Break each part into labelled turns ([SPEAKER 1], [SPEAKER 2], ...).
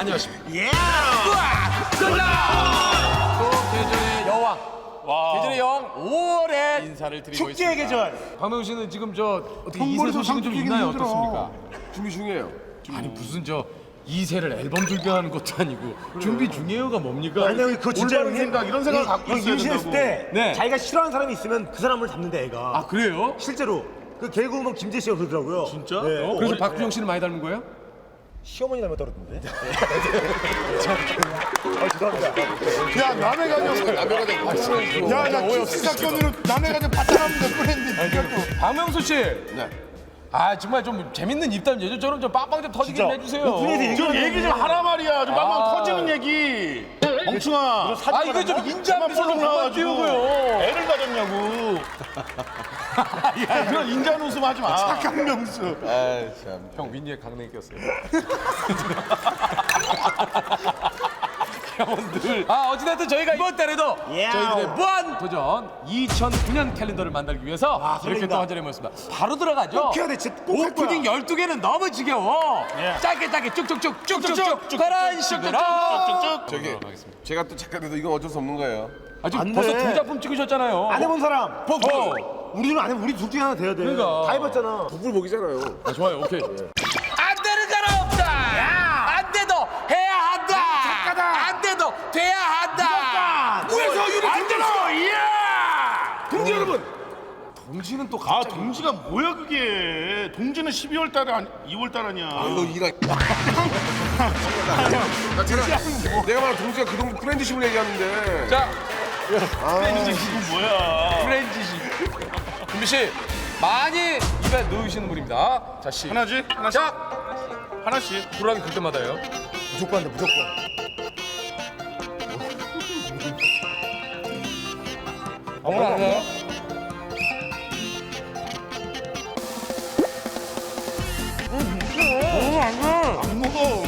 [SPEAKER 1] 안녕하십니까.
[SPEAKER 2] 예.
[SPEAKER 1] 계절의 여왕. 계절의 여왕 5월에 인사를 드리고
[SPEAKER 2] 축제의
[SPEAKER 1] 있습니다.
[SPEAKER 2] 계절.
[SPEAKER 1] 박명수 씨는 지금 저 어떻게 2세 소식은 좀 있나요? 어떻습니까?
[SPEAKER 3] 준비 중이에요.
[SPEAKER 1] 아니 무슨 저 2세를 앨범 준비하는 것도 아니고 준비 중이에요가 뭡니까?
[SPEAKER 2] 아니 그거 진짜
[SPEAKER 3] 올바른 생각, 이런 생각을 갖고 있어야
[SPEAKER 2] 임신했을 때
[SPEAKER 1] 네.
[SPEAKER 2] 자기가 싫어하는 사람이 있으면 그 사람을 잡는데 애가.
[SPEAKER 1] 아 그래요?
[SPEAKER 2] 실제로 그 개그우먼 김재 씨가 그러더라고요.
[SPEAKER 3] 진짜?
[SPEAKER 2] 네.
[SPEAKER 1] 그래서 박주영 씨는 많이 닮은 거예요?
[SPEAKER 2] 시어머니 닮았다 그러던데. 죄송합니다.
[SPEAKER 3] 야, 남의 가정. 남의 가정. 야, 나 키스 사건으로 남의 가정 바탕하면 몇 뻔했는데. 이걸 또.
[SPEAKER 1] 박명수 씨.
[SPEAKER 3] 네.
[SPEAKER 1] 아 정말 좀 재밌는 입담 예전처럼 좀 빵빵 좀 터지게 좀 해주세요.
[SPEAKER 3] 좀 얘기 좀 하라 말이야. 좀 빵빵 터지는 얘기. 멍충아.
[SPEAKER 1] 아 이거 좀 인자미소로 그만 띄우고요.
[SPEAKER 3] 애를 가졌냐고. 야, 그런 인자한 웃음 하지 마. 착한 명수.
[SPEAKER 1] 형 윈니에 강냉이 꼈어요. 형들. 아 어찌됐든 저희가 이번 달에도
[SPEAKER 2] 예.
[SPEAKER 1] 저희들의 무한 도전 2009년 캘린더를 만들기 위해서 이렇게
[SPEAKER 2] 설렌다.
[SPEAKER 1] 또 한 자리에 모였습니다. 바로 들어가죠.
[SPEAKER 2] 꼭 해야 돼, 진짜 꼭할 거야.
[SPEAKER 1] 오프닝 12개는 너무 지겨워. 짧게 쭉쭉쭉 그런 식으로.
[SPEAKER 3] 저기, 제가 또 작가돼도 이건 어쩔 수 없는 거예요.
[SPEAKER 1] 아직
[SPEAKER 2] 안
[SPEAKER 1] 벌써
[SPEAKER 2] 돼.
[SPEAKER 1] 2작품 찍으셨잖아요.
[SPEAKER 2] 안 해본 사람. 우리는 안 해. 우리 둘 중에 하나 돼야 돼.
[SPEAKER 1] 그러니까.
[SPEAKER 2] 다 해봤잖아.
[SPEAKER 3] 북불복이잖아요.
[SPEAKER 1] 아, 좋아요. 오케이. 안 되는 사람 없다. 안 돼도 해야 한다. 안 돼도 돼야 한다.
[SPEAKER 3] 그래서 유리 안 되나? 이야! 동지 여러분.
[SPEAKER 1] 동지는 또
[SPEAKER 4] 아
[SPEAKER 1] 갑자기
[SPEAKER 4] 동지가 뭐야 그게? 동지는 12월 달에 2월 달 아니야.
[SPEAKER 3] 너 이가. 내가 말한 동지가 그 동지 프렌드십을 얘기하는데.
[SPEAKER 1] 자,
[SPEAKER 4] 이거 뭐야?
[SPEAKER 1] 프렌즈시. 준비 씨, 많이 입에 넣으시는 분입니다. 자, 씨.
[SPEAKER 4] 하나씩 하나씩
[SPEAKER 1] 자,
[SPEAKER 4] 하나씩.
[SPEAKER 1] 불안이 들 때마다요.
[SPEAKER 2] 무조건 한다. 무조건.
[SPEAKER 1] 오늘 안 해요?
[SPEAKER 4] 안 먹어.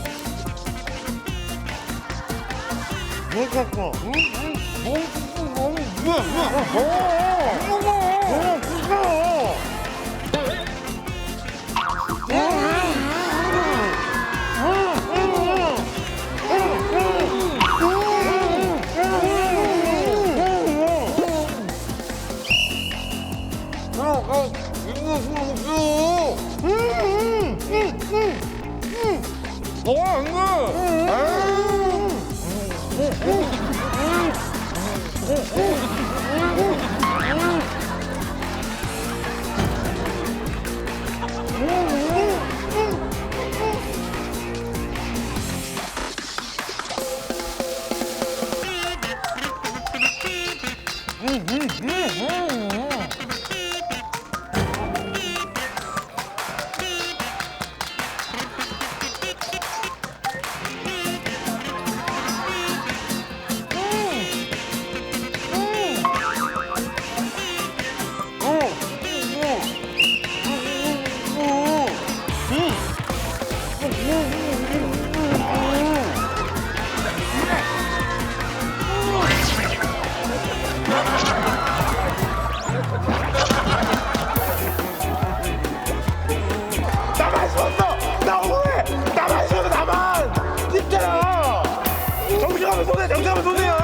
[SPEAKER 2] 나만 쏘았어. 나 억울해. 나만 쏘았어. 나만. 진짜야. 정식하면 손해. 정식하면 손해야.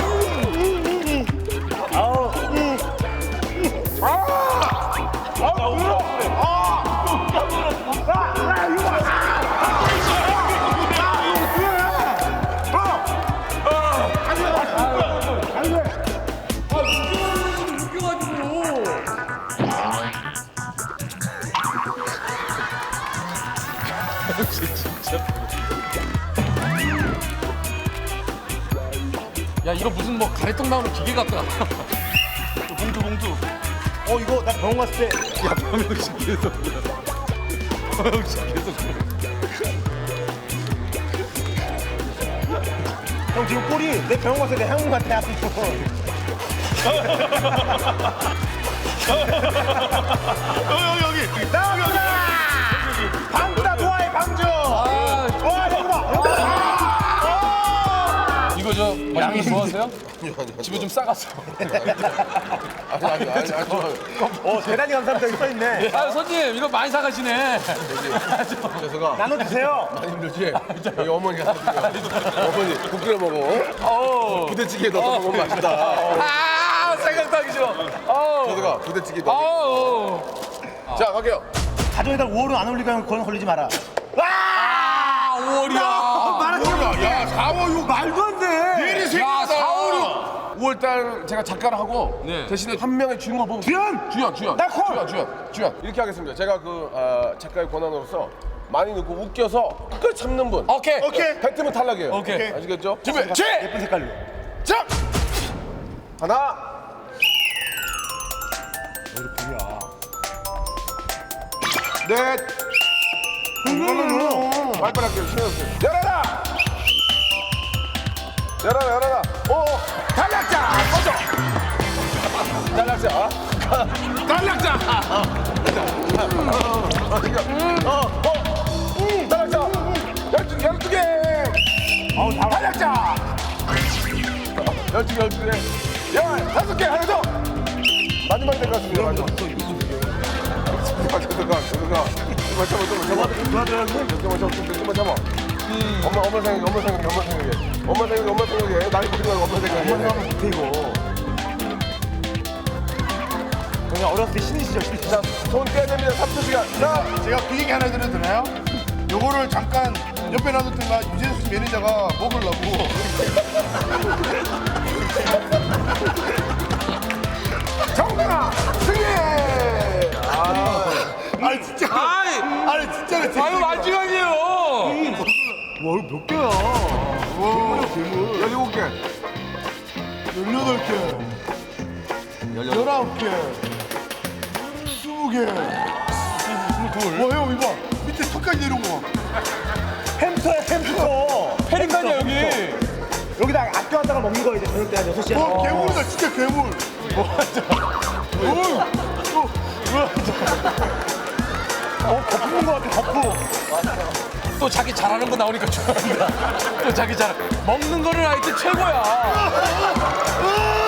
[SPEAKER 2] 아우. 나 울어. 나 이거.
[SPEAKER 1] 야, 이거 무슨 뭐 가래떡 나오는 기계 같다.
[SPEAKER 4] 봉투.
[SPEAKER 2] 이거 나 병원 갔을 때.
[SPEAKER 1] 야, 박명수 계속. 박명수 계속.
[SPEAKER 2] 형 지금 꼴이 내 병원 갔을 때 향후 같아.
[SPEAKER 4] 여기.
[SPEAKER 2] 방주다 좋아해 방주. 와 형구다.
[SPEAKER 1] 이거 저 양이 좋아하세요? 집에 좀 싸갔어.
[SPEAKER 5] 아니.
[SPEAKER 2] 대단히 감사합니다. 여기 써있네.
[SPEAKER 1] 아, 손님, 이거 많이 사가시네.
[SPEAKER 5] 재석아
[SPEAKER 2] 나눠주세요.
[SPEAKER 5] 많이 힘들지? 여기 어머니가 사드려. 어머니 국 끓여 먹어. 부대찌개 넣어서 먹으면 맛있다.
[SPEAKER 1] 아, 생각도 하기 싫어.
[SPEAKER 5] 재석아 부대찌개 넣어. 자 갈게요.
[SPEAKER 2] 가정에다 5월은 안 올리고 그건 걸리지 마라.
[SPEAKER 1] 아, 5월이야.
[SPEAKER 4] 야 4월 6
[SPEAKER 2] 말도 안 돼.
[SPEAKER 4] 일이
[SPEAKER 1] 야,
[SPEAKER 4] 생겼다.
[SPEAKER 1] 4월
[SPEAKER 5] 5월달 제가 작가를 하고
[SPEAKER 1] 네.
[SPEAKER 5] 대신에 한 명의 주인공 뽑은 주연.
[SPEAKER 2] 나 콜!
[SPEAKER 5] 주연. 이렇게 하겠습니다. 제가 그 작가의 권한으로서 많이 넣고 웃겨서 끝까지 참는 분.
[SPEAKER 1] 오케이.
[SPEAKER 5] 뱉으면 탈락이에요.
[SPEAKER 1] 오케이.
[SPEAKER 5] 아시겠죠?
[SPEAKER 1] 준비,
[SPEAKER 2] 예쁜 색깔로.
[SPEAKER 4] 자
[SPEAKER 5] 하나. 넷. 빨리빨리 할게요. 신어주세요. 열어라. 탈락자. 꺼져. 탈락자. 탈락자. 탈락자. 12개. 탈락자. 12개. 15개. 하나 더. 마지막이 될 것 같습니다. 마지막. 잠깐만. 조금만 참아. 엄마 생각해. 나이 보지 말고 엄마 생각해.
[SPEAKER 2] 엄마 생각하면 못해 이거. 그냥 어렸을 때 신이시죠.
[SPEAKER 5] 자, 손 떼야 됩니다. 3초시간. 자,
[SPEAKER 4] 제가 그 얘기 하나 드려도 되나요? 요거를 잠깐 옆에 놔뒀다가 유재수 매니저가 먹으려고
[SPEAKER 5] 정답아 승리.
[SPEAKER 4] 아니 진짜 아니 진짜로
[SPEAKER 1] 아유, 마지막이에요.
[SPEAKER 2] 와 이거 몇 개야?
[SPEAKER 5] 17개.
[SPEAKER 4] 18개 19개 20개 와형 이거 봐 밑에 턱까지 내려온 거 봐.
[SPEAKER 2] 햄스터야 햄스터.
[SPEAKER 1] 페리칸이야, 여기.
[SPEAKER 2] 여기다 학교 왔다가 먹는 거 이제 저녁 때 한 6시에.
[SPEAKER 4] 와 괴물이다 진짜 괴물
[SPEAKER 2] 덮는 거 같아 덮고.
[SPEAKER 1] 또 자기 잘하는 거 나오니까 좋아한다. 또 자기 잘 먹는 거는 하여튼 최고야.